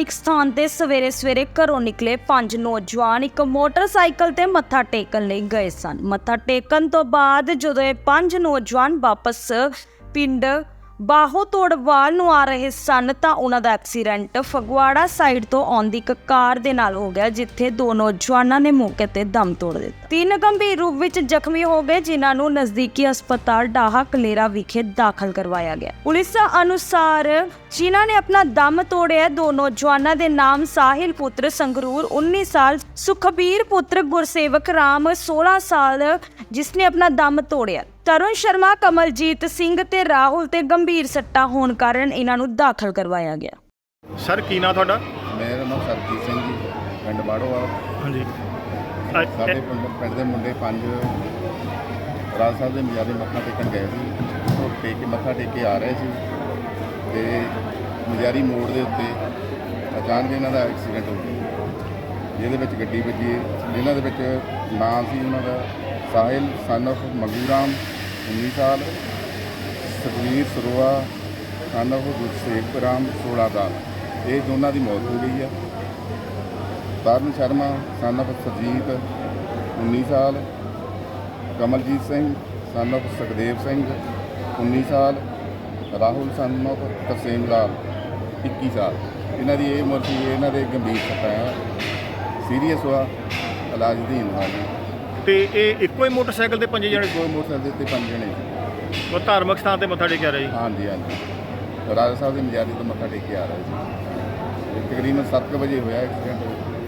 ਧਾਰਮਿਕ ਸਥਾਨ ਤੇ ਸਵੇਰੇ ਸਵੇਰੇ ਘਰੋਂ ਨਿਕਲੇ 5 ਨੌਜਵਾਨ ਇੱਕ ਮੋਟਰਸਾਈਕਲ ਤੇ ਮੱਥਾ ਟੇਕਣ ਲਈ ਗਏ ਸਨ। ਮੱਥਾ ਟੇਕਣ ਤੋਂ ਬਾਅਦ ਜਦੋਂ ਇਹ 5 ਨੌਜਵਾਨ ਵਾਪਸ ਪਿੰਡ ਬਾਹੋ ਤੋੜਵਾਲ ਨੂੰ ਆ ਰਹੇ ਸਨ ਤਾਂ ਉਹਨਾਂ ਦਾ ਐਕਸੀਡੈਂਟ ਫਗਵਾੜਾ ਸਾਈਡ ਤੋਂ ਆਉਂਦੀ ਇੱਕ ਕਾਰ ਦੇ ਨਾਲ ਹੋ ਗਿਆ, ਜਿੱਥੇ 2 ਨੌਜਵਾਨਾਂ ਨੇ ਮੌਕੇ ਤੇ ਦਮ ਤੋੜ ਦਿੱਤਾ। 3 ਗੰਭੀਰ ਰੂਪ ਵਿੱਚ ਜ਼ਖਮੀ ਹੋ ਗਏ, ਜਿਨ੍ਹਾਂ ਨੂੰ ਨਜ਼ਦੀਕੀ ਹਸਪਤਾਲ ਡਾਹਾ ਕਲੇਰਾ ਵਿਖੇ ਦਾਖਲ ਕਰਵਾਇਆ ਗਿਆ। ਪੁਲਿਸ ਅਨੁਸਾਰ ਜਿਨ੍ਹਾਂ ਨੇ ਆਪਣਾ ਦਮ ਤੋੜਿਆ, 2 ਨੌਜਵਾਨਾਂ ਦੇ ਨਾਮ ਸਾਹਿਲ ਪੁੱਤਰ ਸੰਗਰੂਰ 19 ਸਾਲ, ਸੁਖਬੀਰ ਪੁੱਤਰ ਗੁਰਸੇਵਕ ਰਾਮ 16 ਸਾਲ ਜਿਸ ਨੇ ਆਪਣਾ ਦਮ ਤੋੜਿਆ। ਤਰੁਣ ਸ਼ਰਮਾ, ਕਮਲਜੀਤ ਸਿੰਘ ਤੇ ਰਾਹੁਲ ਤੇ ਗੰਭੀਰ ਸੱਟਾਂ ਹੋਣ ਕਾਰਨ ਇਹਨਾਂ ਨੂੰ ਦਾਖਲ ਕਰਵਾਇਆ ਗਿਆ। ਸਰ ਕੀ ਨਾਂ ਤੁਹਾਡਾ? ਮੇਰਾ ਨਾਮ ਸਰਜੀਤ ਸਿੰਘ ਜੀ, ਪਿੰਡ ਬਾੜੋਵਾਲ। ਹਾਂਜੀ। ਸਾਡੇ ਪਿੰਡ ਦੇ ਮੁੰਡੇ 5 ਰਾਜ ਸਾਹਿਬ ਦੇ ਮਜਾਰੇ ਮੱਥਾ ਟੇਕਣ ਗਏ ਸੀ। ਉਹ ਮੱਥਾ ਟੇਕ ਕੇ ਆ ਰਹੇ ਸੀ ਤੇ ਮਜਾਰੀ ਮੋੜ ਦੇ ਉੱਤੇ ਅਚਾਨਕ ਇਹਨਾਂ ਦਾ ਐਕਸੀਡੈਂਟ ਹੋ ਗਿਆ, ਜਿਹਦੇ ਵਿੱਚ ਗੱਡੀ ਵੱਜੀ। ਜਿਨ੍ਹਾਂ ਦੇ ਵਿੱਚ ਨਾਮ ਸੀ ਉਹਨਾਂ ਦਾ ਸਾਹਿਲ ਸਨ ਆਫ ਮੰਗੂ ਰਾਮ 19 ਸਾਲ, ਸੁਖਵੀਰ ਸਰੋਆ ਸਨ ਆਫ ਗੁਰਸੇਵਕ ਰਾਮ 16 ਸਾਲ। ਇਹ ਦੋਨਾਂ ਦੀ ਮੌਤ ਹੋ ਗਈ ਆ। ਤਰੁਣ ਸ਼ਰਮਾ ਸਨ ਆਫ ਸਰਜੀਤ 19 ਸਾਲ, ਕਮਲਜੀਤ ਸਿੰਘ ਸਨ ਆਫ ਸੁਖਦੇਵ ਸਿੰਘ 19 ਸਾਲ, ਰਾਹੁਲ ਸਨ ਆਫ ਤਰਸੇਮ ਲਾਲ 21 ਸਾਲ। ਇਹਨਾਂ ਦੀ ਇਹ ਉਮਰ ਸੀ। ਇਹਨਾਂ ਦੇ ਗੰਭੀਰ ਸੱਟਾਂ ਆ, ਸੀਰੀਅਸ ਹੋਆ, ਇਲਾਜ ਅਧੀਨ ਆ ਜੀ। ਤੇ ਇਹ ਇੱਕੋ ਹੀ ਮੋਟਰਸਾਈਕਲ ਤੇ 5 ਜਣੇ? ਕੋਈ ਮੋਟਰਸਾਈਕਲ ਤੇ 5 ਜਣੇ ਸੀ। ਉਹ ਧਾਰਮਿਕ ਸਥਾਨ ਤੇ ਮੱਥਾ ਟੇਕਿਆ ਰਿਹਾ ਜੀ? ਹਾਂਜੀ ਹਾਂਜੀ, ਰਾਜਾ ਸਾਹਿਬ ਦੇ ਮਜਾਰੀ ਤੋਂ ਮੱਥਾ ਟੇਕ ਕੇ ਆ ਰਹੇ ਸੀ। ਇਹ ਤਕਰੀਬਨ 7 ਵਜੇ ਹੋਇਆ ਐਕਸੀਡੈਂਟ।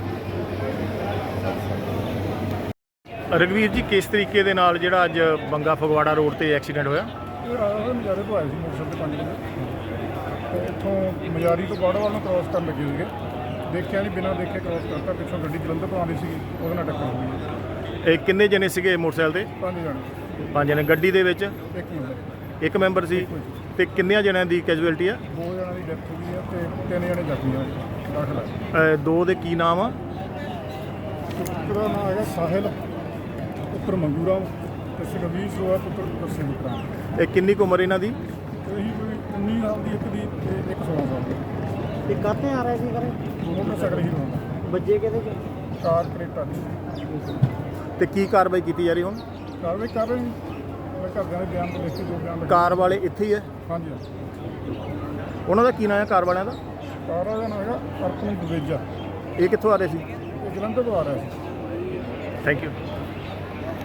ਰਘਵੀਰ ਜੀ, ਕਿਸ ਤਰੀਕੇ ਦੇ ਨਾਲ ਜਿਹੜਾ ਅੱਜ ਬੰਗਾ ਫਗਵਾੜਾ ਰੋਡ ਤੇ ਐਕਸੀਡੈਂਟ ਹੋਇਆ? ਇਹ ਰਾਜਾ ਸਾਹਿਬ ਮਜਾਰੇ ਤੋਂ ਆਏ ਸੀ ਮੋਟਰਸਾਈਕਲ ਤੇ 5 ਜਣੇ, ਤੇ ਇੱਥੋਂ ਮਜਾਰੀ ਤੋਂ ਬਾੜੋਵਾਲ ਨੂੰ ਕ੍ਰੋਸ ਕਰਨ ਲੱਗੇ ਸੀਗੇ। ਦੇਖਿਆ ਨਹੀਂ, ਬਿਨਾਂ ਦੇਖੇ ਕ੍ਰੋਸ ਕਰਤਾ। ਪਿੱਛੋਂ ਗੱਡੀ ਜਲੰਧਰ ਤੋਂ ਆਉਂਦੀ ਸੀਗੀ, ਉਹਦੇ ਨਾਲ ਟੱਕਰ ਹੋ ਗਈ। ਇਹ ਕਿੰਨੇ ਜਣੇ ਸੀਗੇ ਮੋਟਰਸਾਈਕਲ ਤੇ? 5 ਜਣੇ। 5 ਜਣੇ। ਗੱਡੀ ਦੇ ਵਿੱਚ ਇੱਕ ਮਿੰਟ, ਇੱਕ ਮੈਂਬਰ ਸੀ। ਤੇ ਕਿੰਨਿਆਂ ਜਣਿਆਂ ਦੀ ਕੈਜੂਅਲਟੀ ਆ? 2 ਜਣਾਂ ਦੀ ਡੈਥ ਹੋ ਗਈ ਹੈ ਤੇ 3 ਜਣੇ ਜ਼ਖਮੀ ਆ, ਦਾਖਲ ਹੈ। 2 ਦੇ ਕੀ ਨਾਮ ਆ? ਇੱਕ ਦਾ ਨਾਮ ਹੈਗਾ ਸਾਹਿਲ ਪੁੱਤਰ ਮੰਗੂ ਰਾਮ ਤੇ ਸੁਖਬੀਰ ਸਰੋਆ ਪੁੱਤਰ ਗੁਰਸੇਵਕ ਰਾਮ। ਇਹ ਕਿੰਨੀ ਕੁ ਉਮਰ ਇਹਨਾਂ ਦੀ? ਇਹੀ ਕੋਈ 19 ਸਾਲ ਦੀ ਇੱਕ ਦੀ ਤੇ ਇੱਕ 16 ਸਾਲ ਦੀ। ਤੇ ਕਾਹਤੇ ਆ ਰਹੇ ਸੀ ਘਰੇ? ਮੋਟਰਸਾਈਕਲ ਹੀ ਹੋਣਾ, ਵੱਜੇ ਕਿਹਦੇ ਚ? ਕਾਰ ਕਰੇਟਾ ਦੀ। ਤੇ ਕੀ ਕਾਰਵਾਈ ਕੀਤੀ ਜਾ ਰਹੀ ਹੁਣ? ਕਾਰਵਾਈ ਕਰ ਰਹੇ ਨੇ, ਮੈਂ ਘਰਦਿਆਂ ਦੇ ਬਿਆਨ ਤੋਂ ਲਿਖ ਕੇ ਜੋ ਬਿਆਨ ਲਿਖੇ। ਕਾਰ ਵਾਲੇ ਇੱਥੇ ਹੀ ਹੈ? ਹਾਂਜੀ ਹਾਂਜੀ। ਉਹਨਾਂ ਦਾ ਕੀ ਨਾਮ ਹੈ ਕਾਰ ਵਾਲਿਆਂ ਦਾ? ਕਾਰ ਦਾ ਨਾਮ ਹੈਗਾ ਅਰਪਨ ਦੁਵੇਜਾ। ਇਹ ਕਿੱਥੋਂ ਆ ਰਹੇ ਸੀ? ਇਹ ਜਲੰਧਰ ਤੋਂ ਆ ਰਿਹਾ ਸੀ। Thank you.